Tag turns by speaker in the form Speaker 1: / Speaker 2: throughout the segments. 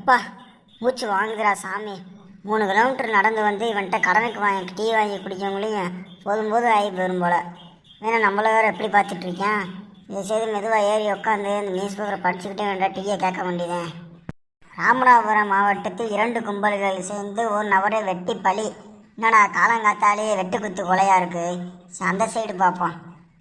Speaker 1: எப்பா மூச்சு வாங்குதுடா சாமி. 3 கிலோமீட்டர் நடந்து வந்து இவன்கிட்ட கடனுக்கு வாங்கி டீ வாங்கி குடிக்கவங்களையும் போதும் ஆகி போயிடும் போல. ஏன்னா நம்மள வேறு எப்படி பார்த்துட்டு இருக்கேன். இதை செய்து மெதுவாக ஏறி உட்காந்து இந்த நியூஸ் பேப்பரை படிச்சுக்கிட்டே வேண்டா டீயை கேட்க வேண்டியதேன். ராமநாதபுரம் மாவட்டத்தில் 2 கும்பல்கள் சேர்ந்து ஒரு நபரை வெட்டி பலி. என்னடா காலங்காத்தாலே வெட்டு குத்து கொலையாக இருக்குது. அந்த சைடு பார்ப்போம்.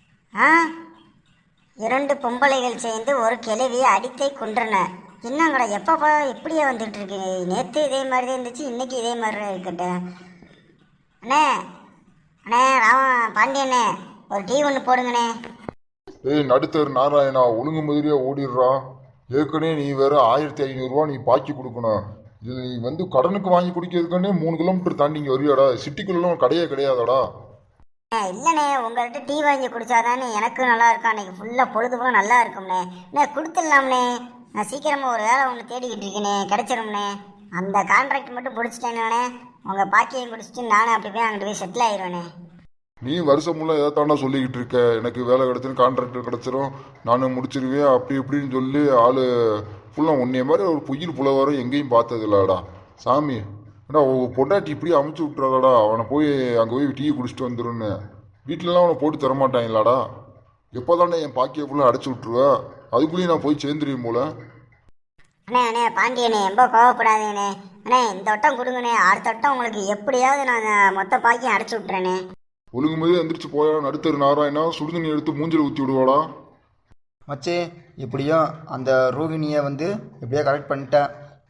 Speaker 1: 2 பொம்பளைகள் சேர்ந்து ஒரு கிழவியை அடித்தை கொன்றன. என்னங்கடா எப்பப்பா இப்படியே வந்துட்டு இருக்கு. நேற்று இதே மாதிரி தான் இருந்துச்சு, இன்னைக்கு இதே மாதிரி இருக்கட்டும். அண்ணே அண்ணே பாண்டியண்ணே ஒரு டீ ஒன்று போடுங்கண்ணே.
Speaker 2: நடுத்தர் நாராயணா ஒழுங்கு மாதிரியா ஓடிடுறா. ஏற்கனவே நீ வேற 1500 நீ பாக்கி கொடுக்கணும். இது நீ கடனுக்கு வாங்கி குடிக்கிறதுக்கானே 3 கிலோமீட்டர் தாண்டி இங்கே வரியாடா. சிட்டிக்குள்ளலாம் கடையே கிடையாதாடா.
Speaker 1: இல்லைண்ணே, உங்கள்கிட்ட டீ வாங்கி குடிச்சாதானே எனக்கு நல்லா இருக்கும். அன்னைக்கு ஃபுல்லாக பொழுதுபோக நல்லா இருக்கும்ண்ணே. அண்ணே கொடுத்துடலாம்ண்ணே. நான் சீக்கிரமாக ஒரு வேலை ஒன்று தேடிக்கிட்டு இருக்கேனே, கிடச்சிரும்ண்ணே. அந்த கான்ட்ராக்ட் மட்டும் பிடிச்சிட்டேன்னே உங்கள் பாக்கியம் குடிச்சிட்டு நானும் அப்படி போய் அங்கிட்டு போய் செட்டில் ஆயிடுவேண்ணே.
Speaker 2: நீ வருஷம் முள்ள ஏதாவது தாண்டா சொல்லிக்கிட்டு இருக்க. எனக்கு வேலை கிடச்சிரும், கான்ட்ராக்டர் கிடச்சிரும், நானும் முடிச்சிருவேன் அப்படி இப்படின்னு சொல்லி ஆள் ஃபுல்லாக உன்னைய மாதிரி ஒரு புயல் புலவரம் எங்கேயும் பார்த்தது இல்லடா சாமி. ஏன்னா பொண்டாட்டி இப்படி அமுச்சு விட்டுறாடா. அவனை போய் அங்கே போய் டீ குடிச்சிட்டு வந்துடுன்னு வீட்டிலலாம் அவனை போட்டு தரமாட்டாங்களாடா. எப்போ தானே என் பாக்கியை ஃபுல்லாக அடைச்சி விட்ருவேன். அதுக்குள்ளேயும் நான் போய் சேர்ந்துருவேன் போல.
Speaker 1: அண்ணே பாண்டியண்ணே ரொம்ப கோவப்படாதீங்கண்ணே. அண்ணே இந்த வட்டம் கொடுங்கண்ணே, அடுத்த வட்டம் உங்களுக்கு எப்படியாவது நான் மொத்த பாக்கியம் அடைச்சி விட்றேண்ணே.
Speaker 2: ஒழுங்கு மாதிரி எந்திரிச்சு போயா. நடுத்தர் நாராயணா சுடுதண்ணி எடுத்து மூஞ்சில் ஊற்றி விடுவாடா.
Speaker 3: மச்சே எப்படியும் அந்த ரோகிணியை எப்படியோ கரெக்ட் பண்ணிட்டேன்.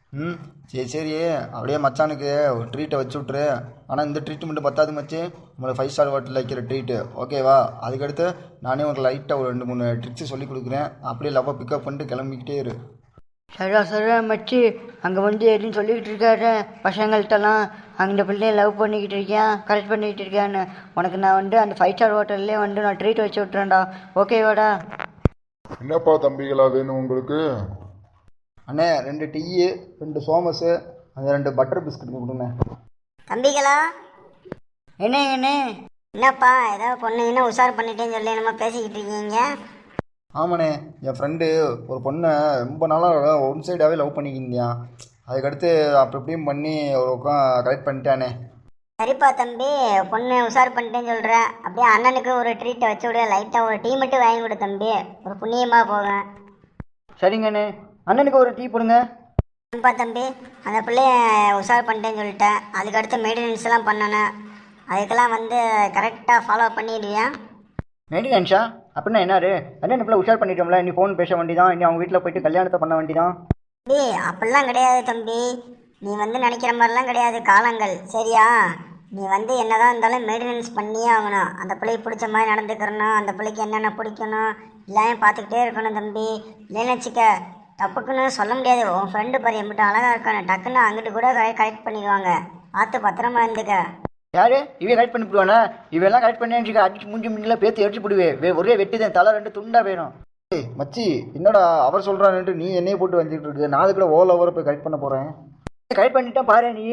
Speaker 3: சரி அப்படியே மச்சானுக்கு ஒரு ட்ரீட்டை வச்சு விட்ரு. ஆனால் இந்த ட்ரீட் மட்டும் பத்தாது மச்சி, உங்களை 5 ஸ்டார் ஹோட்டலில் வைக்கிற ட்ரீட்டு ஓகேவா? அதுக்கடுத்து நானே உங்களுக்கு லைட்டாக ஒரு 2-3 ட்ரிக்ஸு சொல்லி கொடுக்குறேன். அப்படியே லவ்வாக பிக்கப் பண்ணிட்டு கிளம்பிக்கிட்டே இரு.
Speaker 4: சரியா மச்சி. அங்கே எதுன்னு சொல்லிக்கிட்டு இருக்காரு பசங்கள்கிட்டலாம். அந்த பிள்ளைய லவ் பண்ணிக்கிட்டு இருக்கேன், கரெக்ட் பண்ணிக்கிட்டு இருக்கேன்னு. உனக்கு நான் அந்த 5 ஸ்டார் ஹோட்டல்லே நான் ட்ரீட் வச்சு விட்றேன்டா, ஓகேவாடா?
Speaker 2: என்னப்பா தம்பிகளா வேணும் உங்களுக்கு?
Speaker 3: அண்ணே 2 டீயு, 2 சோமஸு, அந்த 2 பட்டர் பிஸ்கட் கொடுங்க.
Speaker 1: தம்பிகளா
Speaker 4: என்ன
Speaker 1: என்னப்பா ஏதாவது பொண்ணுங்கன்னா உஷார் பண்ணிட்டேன்னு சொல்லி நம்ம பேசிக்கிட்டு இருக்கீங்க?
Speaker 3: ஆமாண்ணே, என் ஃப்ரெண்டு ஒரு பொண்ணை ரொம்ப நாளாக ஒன் சைடாகவே லவ் பண்ணிக்கிந்தியான். அதுக்கடுத்து அப்படி இப்படியும் பண்ணி ஒரு பக்கம் கரெக்ட் பண்ணிட்டானே.
Speaker 1: சரிப்பா தம்பி, பொண்ணு உஷார் பண்ணிட்டேன்னு சொல்கிறேன். அப்படியே அண்ணனுக்கு ஒரு ட்ரீட்டை வச்சு விட, லைட்டாக ஒரு டீ மட்டும் வாங்கி விடு தம்பி, ஒரு புண்ணியமாக போவேன்.
Speaker 4: சரிங்கண்ணே, அண்ணனுக்கு ஒரு டீ போடுங்க.
Speaker 1: அப்பா தம்பி, அந்த பிள்ளைய உஷார் பண்ணிட்டேன்னு சொல்லிட்டேன். அதுக்கடுத்து மெயின்டெனன்ஸ்லாம் பண்ணணும். அதுக்கெல்லாம் கரெக்டாக ஃபாலோ பண்ணிடுவியா?
Speaker 4: மெயின்டெனன்ஸா? அப்படின்னா என்னாரு? அண்ணன் பிள்ளை உஷார் பண்ணிட்டோம்ல, நீ ஃபோன் பேச வேண்டியதான், இனி அவங்க வீட்டில் போயிட்டு கல்யாணத்தை பண்ண வேண்டியதான்.
Speaker 1: தம்பி அப்படிலாம் கிடையாது தம்பி. நீ நினைக்கிற மாதிரிலாம் கிடையாது காலங்கள், சரியா? நீ என்னதான் இருந்தாலும் மெயின்டெனன்ஸ் பண்ணியே ஆகணும். அந்த பிள்ளைக்கு பிடிச்ச மாதிரி நடந்துக்கிறணும், அந்த பிள்ளைக்கு என்னென்ன பிடிக்கணும் எல்லாமே பார்த்துக்கிட்டே இருக்கணும் தம்பி. இல்லைன்னு வச்சுக்க தப்புக்குன்னு சொல்ல முடியாது. உன் ஃப்ரெண்டு பாரு எம்பிட்டு அழகாக இருக்கணும், டக்குன்னு அங்கிட்டு கூட கரெக்ட் பண்ணிடுவாங்க. பார்த்து பத்திரமா இருந்துக்க.
Speaker 4: யாரு இவன் கரெக்ட் பண்ணி போடுவானா? இவெல்லாம் கரெக்ட் பண்ணி அடிச்சு முன்னெல்லாம் பேத்து எடுத்து போடுவேன். ஒரே வெட்டிதான், தலை 2 துண்டா வேணும்.
Speaker 3: மச்சி என்னடா அவர் சொல்கிறான்ட்டு நீ என்னையே போட்டு வந்துட்டு இருக்கு. நான் அதுக்குள்ள ஓவரை போய் கரெக்ட் பண்ண போகிறேன்.
Speaker 4: கரெக்ட் பண்ணிட்டா பாரு நீ.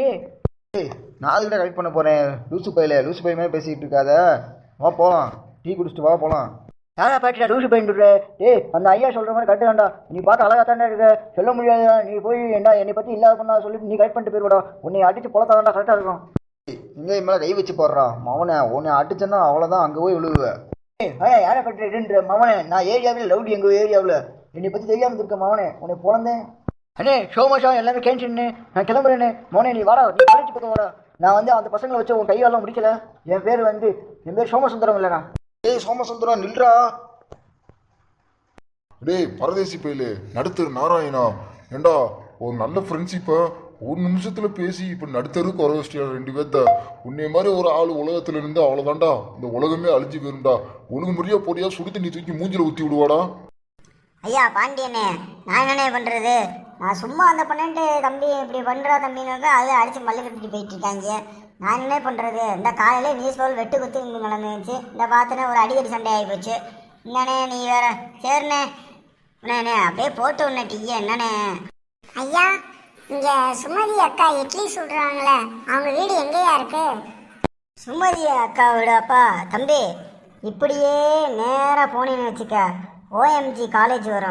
Speaker 3: நான் அதுக்கிட்ட கரெக்ட் பண்ண போகிறேன். லூசு பையமே பேசிக்கிட்டு இருக்காத. வா போகலாம், டீ குடிச்சிட்டு வா போகலாம்.
Speaker 4: யாரா பாட்டிடா லூசு பையன்? அந்த ஐயா சொல்கிற மாதிரி கரெக்டு தான்டா. நீ பார்க்க அழகாக தானே இருக்க, சொல்ல முடியாதா? நீ போய் என்னை பற்றி இல்லாத பண்ணா சொல்லிட்டு நீ கரெக்ட் பண்ணிட்டு போயிடுவாடா. உன்னை அடிச்சு பொழத்தாதான்டா கரெக்டாக இருக்கும்.
Speaker 3: இங்கே மேலே கை வச்சு போடுறான் மவனை. உன்னை அடிச்சேன்னா அவ்வளோதான், அங்கே போய் விழுவுவேன்.
Speaker 4: யாரை கட்டுற மவனே? நான் ஏரியாவில் லவுடி, எங்கள் ஏரியாவில் என்னை பற்றி தெரியாமல் இருக்க மவனே. உன்னை பிறந்தேன் அண்ணே. சோமசா எல்லாமே கேன்சன்னு நான் கிளம்புறேன்னு. மோனே நீ வாடா, நீ காலேஜ் பக்கம் வாடா. நான் அந்த பசங்களை வச்சு உன் கையாலாம் முடிக்கல. என் பேர் சோமசுந்தரம் இல்லைண்ணா.
Speaker 3: சோமசுந்தரம் நில்றா.
Speaker 2: டேய் பரதேசி பயிலே, நடுத்தர் நாராயணா, ஏண்டா ஒரு நல்ல ஃப்ரெண்ட்ஷிப்பை 1 நிமிஷத்தில் பேசி இப்போ நடுத்தருக்கு வர வச்சிட்டியா 2 பேர்த்த. உன்னை மாதிரி ஒரு ஆள் உலகத்தில் இருந்து அவ்வளோதான்டா, இந்த உலகமே அழிஞ்சு போயிருண்டா. ஒழுங்கு முறையாக போடியா, சுடு தண்ணி தூக்கி மூஞ்சில் ஊற்றி விடுவாடா.
Speaker 1: ஐயா பாண்டியண்ணே, நான் என்னண்ணே பண்ணுறது? நான் சும்மா அந்த பண்ணிட்டு தம்பி இப்படி பண்ணுறா தம்பின்னு அதை அடித்து மல்லு கட்டிட்டு போயிட்டு இருக்காங்க. நான் என்ன பண்ணுறது? இந்த காலையில் நியூஸ் பேப்பர் வெட்டு குத்து இங்கே நடந்துச்சு. இந்த பார்த்தனே ஒரு அடிக்கடி சண்டை ஆகி போச்சு. என்னண்ணே நீ வேற? சரிண்ணே அண்ணே அப்படியே போட்டு உன்ன டீயே. என்னண்ணே?
Speaker 5: ஐயா, இங்கே சுமதி அக்கா இட்லி சுடுறாங்களே, அவங்க வீடு எங்கேயா இருக்கு?
Speaker 1: சுமதி அக்கா வீடாப்பா தம்பி, இப்படியே நேராக போனேன்னு வச்சுக்க OMG காலேஜ் வரும்.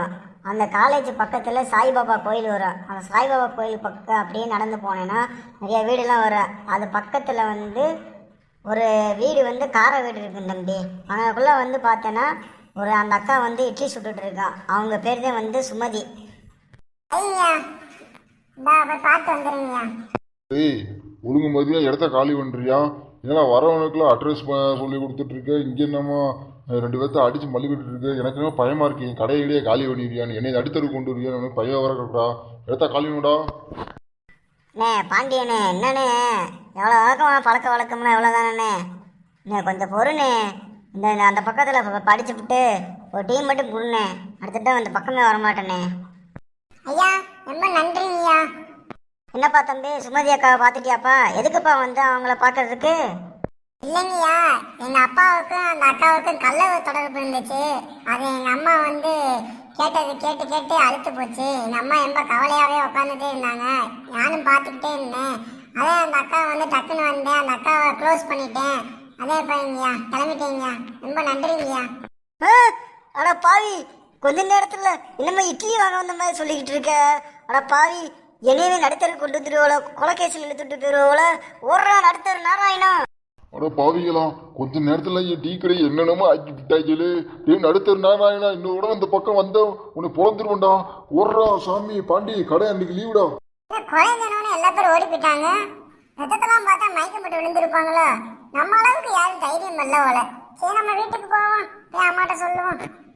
Speaker 1: அந்த காலேஜ் பக்கத்தில் சாய்பாபா கோயில் வரும். அந்த சாய்பாபா கோயில் பக்கம் அப்படியே நடந்து போனேன்னா நிறைய வீடுலாம் வரும். அது பக்கத்தில் வந்து ஒரு வீடு வந்து காரை வீடு இருக்குது தம்பி. அங்கக்குள்ளே வந்து பார்த்தேன்னா அந்த அக்கா வந்து இட்லி சுட்டுட்டு இருக்கான். அவங்க பேர் தான் வந்து சுமதி.
Speaker 5: ஐயா இந்தா போய் பார்த்து வந்துடுங்கய்யா.
Speaker 2: ஏய், ஒழுங்கு மதியம் இடத்த காலி பண்ணுறியா? ஏன்னா வரவனுக்குலாம் அட்ரஸ் சொல்லி கொடுத்துட்ருக்க. இங்கே என்னமோ 2 பேர்த்த அடித்து மல்லிக்கிட்டு இருக்கு. எனக்கு என்ன பயமாக இருக்கு. என் கடையிலேயே காலி பண்ணிடுறியான்னு என்னை அடித்தருக்கு கொண்டு வருவியா? எனக்கு பையன் வர கட்டுறா. இடத்த காலி பண்ணுடா.
Speaker 1: அண்ணே பாண்டியண்ணே, என்னண்ணே எவ்வளோ பழக்க வழக்கம்னா எவ்வளோ தானே. கொஞ்சம் பொறுண்ணே. அந்த பக்கத்தில் படிச்சுவிட்டு ஒரு டீம் மட்டும் கொடுண்ணே. அடுத்துட்டு அந்த பக்கமே வரமாட்டேனே.
Speaker 5: ஐயா ரொம்ப நன்றிங்கய்யா.
Speaker 1: என்னப்பா தம்பி, சுமதி அக்காவை பார்த்துட்டியாப்பா? எதுக்குப்பா வந்து அவங்கள பார்க்கறதுக்கு?
Speaker 5: இல்லைங்கய்யா, எங்க அப்பாவுக்கும் அந்த அக்காவுக்கும் கள்ள தொடர்பு இருந்துச்சு. அது எங்க அம்மா வந்து கேட்டது கேட்டு கேட்டு அழுத்து போச்சு. எங்க அம்மா ரொம்ப கவலையாவே உட்காந்துட்டே இருந்தாங்க. நானும் பார்த்துக்கிட்டே இருந்தேன். அதே அந்த அக்கா வந்து டக்குன்னு வந்தேன். அந்த அக்காவை க்ளோஸ் பண்ணிட்டேன். அதே போய்ங்கய்யா, கிளம்பிட்டேங்கய்யா. ரொம்ப நன்றிங்கய்யா.
Speaker 1: அட பாவி, கொஞ்ச நேரத்தில் இன்னமே இட்லி வாங்க வந்த மாதிரி சொல்லிக்கிட்டு இருக்க. அட பாவி, என்னையவே நடுத்தரு கொண்டு வந்துருவோல, கொலைகேசில் இழுத்துட்டு போயிருவோல. ஓடுறா நடுத்தரு நாராயணா.
Speaker 2: அட பாவிக்கலாம், கொஞ்ச நேரத்தில் என் டீ கடை என்னென்னமோ ஆக்கி விட்டாய்களே. டீம் நடுத்தர் நாராயணா, இன்னொரு இந்த பக்கம் வந்த உன்னை பொழந்துருவேன்டா. ஓடுறா சாமி. பாண்டி, கடை அன்னைக்கு லீவுடா.
Speaker 5: குறைஞ்சனோன்னு எல்லா பேரும் ஓடி போயிட்டாங்க. ரத்தத்தெல்லாம் பார்த்தா மயக்கம் போட்டு விழுந்திருப்பாங்களோ. நம்ம அளவுக்கு யாரும் தைரியம் இல்ல போல. சரி நம்ம வீட்டுக்கு போவோம், போய் அம்மாட்ட சொல்லுவோம்.